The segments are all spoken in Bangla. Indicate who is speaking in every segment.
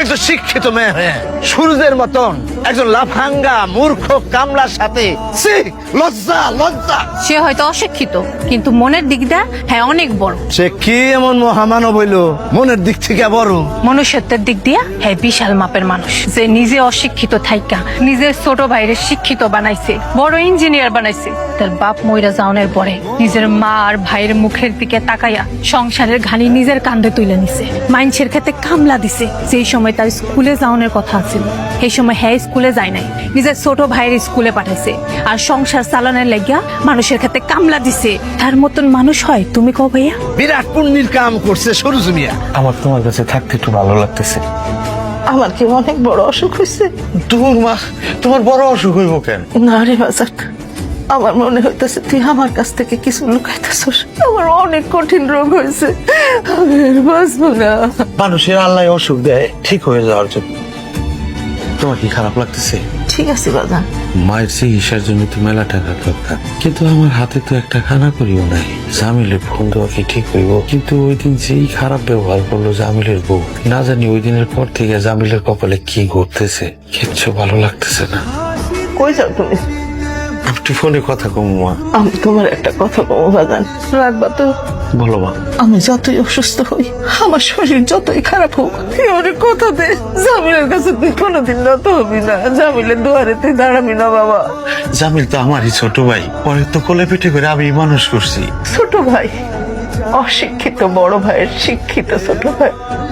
Speaker 1: একজন শিক্ষিত মেয়ে হয়ে সূর্যের মতন একজন লাফাঙ্গা মূর্খ কামলার সাথে ছি, লজ্জা লজ্জা।
Speaker 2: সে হয়তো অশিক্ষিত কিন্তু মনের দিক দিয়ে হ্যাঁ অনেক বড়।
Speaker 1: সে কি এমন মহামানব হইল মনের দিক থেকে বড়?
Speaker 2: মনুষ্যত্বের দিক দিয়ে হ্যাঁ বিশাল মাপের মানুষ, যে নিজে অশিক্ষিত থাইকা নিজের ছোট ভাইরে শিক্ষিত বানাইছে, বড় ইঞ্জিনিয়ার বানাইছে। তার বাপ মইরা যাওয়ার পরে নিজের মা আর ভাইয়ের মুখের দিকে তাকাইয়া সংসারের ঘানি নিজের কাঁধে তুলে নিছে। মাইনসের ক্ষেত্রে কামলা দিছে। যেই সময় তার স্কুলে যাওয়ার কথা ছিল সেই সময় হ্যাঁ স্কুলে যায় নাই, নিজের ছোট ভাইয়ের স্কুলে পাঠাইছে। আর সংসার চালানোর লাগিয়া মানুষের ক্ষেত্রে কামলা দিছে। তার মতন মানুষ হয় তুমি কও ভাইয়া?
Speaker 1: বিরাট পুণ্যের কাম করছে সরুজ মিয়া।
Speaker 3: আমার তোমার কাছে থাকতে একটু ভালো লাগতেছে।
Speaker 4: আমার কি অনেক বড় অসুখ হয়েছে?
Speaker 3: দূর মা, তোমার বড় অসুখ হইব কেন?
Speaker 4: না রে বাজার, আমার মনে হইতেছে তুই আমার কাছ থেকে কিছু লুকাইতেছস। আমার অনেক কঠিন রোগ হয়েছে, আমি আর বাঁচবো না।
Speaker 3: মানুষের আল্লাহ অসুখ দেয় ঠিক হয়ে যাওয়ার জন্য। তোমার কি খারাপ লাগতেছে?
Speaker 4: ঠিক আছে বাজান,
Speaker 3: মায়ের চিকিৎসার জন্য তো মেলা টাকা দরকার, কিন্তু আমার হাতে তো একটা খানা করিও নাই। জামিলের ফোন দেওয়া কি ঠিক হইব? কিন্তু ওই দিন যেই খারাপ ব্যবহার করলো জামিলের বউ, না জানি ওই দিনের পর থেকে জামিলের কপালে কি ঘটতেছে, কিচ্ছু ভালো লাগতেছে না।
Speaker 4: কই যাও তুমি?
Speaker 3: একটু ফোনে কথা কম মা।
Speaker 4: আমি তোমার একটা কথা বলবো বাজান, রাখবা তো?
Speaker 3: বলো মা।
Speaker 4: আমি যতই অসুস্থ হই, আমার শরীর যতই খারাপ হোক, তুই অনেক কথা দে জামিলের কাছে তুই কোনোদিন নত হবি না, জামিলের দুয়ারে তুই দাঁড়াবি না বাবা।
Speaker 3: জামিল তো আমারই ছোট ভাই, পরে তো কোলে পিঠে করে আমি মানুষ করছি।
Speaker 4: ছোট ভাই, অশিক্ষিত বড় ভাইয়ের শিক্ষিত ছোট ভাই।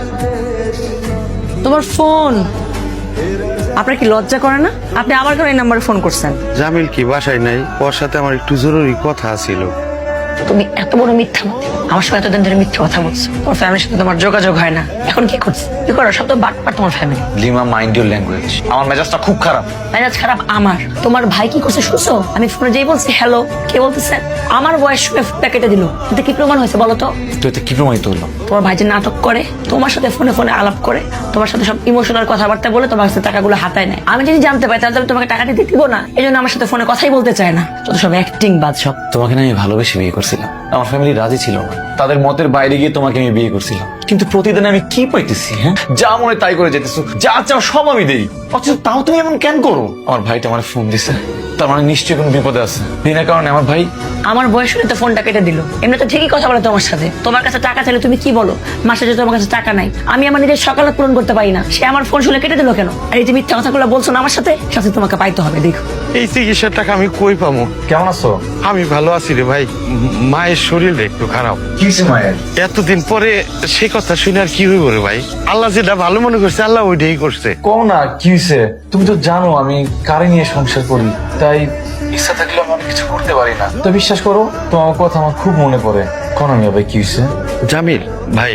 Speaker 5: তোমার ফোন, আপনার কি লজ্জা করে না? আপনি আবার কেন এই নাম্বারে ফোন করছেন?
Speaker 3: জামিল কি বাসায় নাই? ওর সাথে আমার একটু জরুরি কথা ছিল।
Speaker 5: তুমি এত বড় মিথ্যা, আমার সঙ্গে এতদিন ধরে মিথ্যা কথা বলছো। তোমার ফ্যামিলির সাথে তোমার যোগাযোগ হয় না, এখন কি করছো? কি করো? সব তো বাটপার তোমার family.
Speaker 6: Lima, mind your language. আমার মেজাজটা খুব খারাপ।
Speaker 5: মেজাজ খারাপ আমার? তোমার ভাই কি করছে শুনছো? আমি ফোনে যেই বলছি হ্যালো, কে বলতেছে? আমার বয়স শুনে ফোনটা কেটে দিল। এতে কি প্রমাণ হয়েছে বলো তো?
Speaker 6: তো এতে কি প্রমাণিত হলো?
Speaker 5: তোমার ভাই যে নাটক করে, তোমার সাথে ফোনে ফোনে আলাপ করে, তোমার সাথে সব ইমোশনাল কথাবার্তা বলে তোমার কাছে টাকাগুলো হাতায় নেয়। আমি যদি জানতে পাই তাহলে তোমাকে টাকা দিতে দিব না। এই জন্য আমার সাথে ফোনে কথাই বলতে চায় না। যত সব অ্যাক্টিং বাদ সব।
Speaker 6: তোমাকে না আমি ভালোবেসে বিয়ে করছিলাম, আমার ফ্যামিলি রাজি ছিল না। তাদের মতের বাইরে গিয়ে তোমাকে আমি বিয়ে করছিলাম। কিন্তু প্রতিদিন আমি কি পাইতেছি? হ্যাঁ, যা মনে তাই করে যেতেছো, যা চাও সব আমি দেই, অথচ তাও তুমি এমন কেন করো? আমার ভাইটা আমার ফোন দিছে, তার মানে নিশ্চয়ই কোনো বিপদে আছে। বিনা কারণে আমার ভাই
Speaker 5: আমার বয়স হলে তো ফোনটা কেটে দিল। এমনি তো ঠিকই কথা বলে তোমার সাথে। তোমার কাছে টাকা চাইলে তুমি কি বলো? মাসে যে তোমার কাছে টাকা নাই, আমি আমার নিজের সকালে পূরণ করতে পারি না, সে আমার ফোন শুনে কেটে দিল কেন? আর এই যে মিথ্যা কথাগুলো বলছো না আমার সাথে, সাথে তোমাকে পাইতে হবে। দেখো
Speaker 3: এই চিকিৎসার টাকা আমি কই পাবো?
Speaker 6: কেমন আছো?
Speaker 3: আমি ভালো আছি রে ভাই, মায়ের শরীর একটু খারাপ।
Speaker 6: কি হয়েছে মায়ের?
Speaker 3: এতদিন পরে সে কথা শুনে আর কি হইব রে ভাই? আল্লাহ যেটা ভালো মনে করছে আল্লাহ ওইটাই করছে।
Speaker 6: কও না কি হয়েছে? তুমি তো জানো আমি কারে নিয়ে সংসার করি, তাই ইচ্ছা থাকলে আমি অনেক কিছু করতে পারি না। তো বিশ্বাস করো, তোমার কথা আমার খুব মনে পড়ে। কোন আমি ভাই কি হয়েছে?
Speaker 3: জামিল ভাই,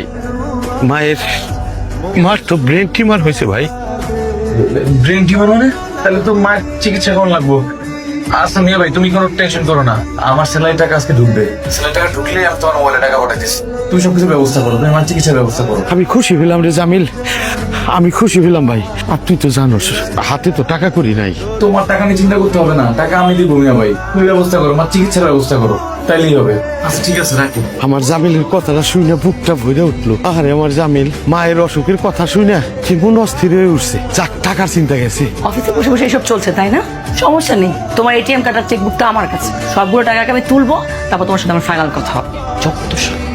Speaker 3: মার তো ব্রেন টিউমার হয়েছে ভাই।
Speaker 6: ব্রেন টিউমার মানে? তাহলে তো মায়ের চিকিৎসা করানো লাগবো। আচ্ছা মিয়া ভাই, তুমি কোনো টেনশন করো না, আমার স্যালারি টাকা আজকে ঢুকবে। স্যালারি টাকা ঢুকলে আমি তোমার মোবাইলে টাকা পাঠাইতেছি। তুমি সবকিছু ব্যবস্থা করো, তুমি আমার চিকিৎসার ব্যবস্থা করো।
Speaker 3: আমি খুশি হইলাম রে জামিল, আমি খুশি হইলাম ভাই। আর তুই তো জানোস হাতে তো টাকা করি নাই।
Speaker 6: তোমার টাকা নিয়ে চিন্তা করতে হবে না, টাকা আমি দিব মিয়া ভাই। তুমি ব্যবস্থা করো, আমার চিকিৎসার ব্যবস্থা করো, তাইলেই হবে। আচ্ছা ঠিক আছে, রাখি।
Speaker 3: আমার জামিলের কথাটা শুনে বুকটা ভরে উঠলো। আরে আমার জামিল মায়ের অসুখের কথা শুনে কি মন অস্থির হয়ে উঠছে। যাক, টাকার চিন্তা গেছে।
Speaker 5: অফিসে বসে বসে এসব চলছে তাই না? সমস্যা নেই, তোমার এটিএম কার্ডের চেকবুকটা আমার কাছে। সবগুলো টাকাকে আমি তুলবো, তারপর তোমার সাথে আমার ফাইনাল কথা হবে। যত সব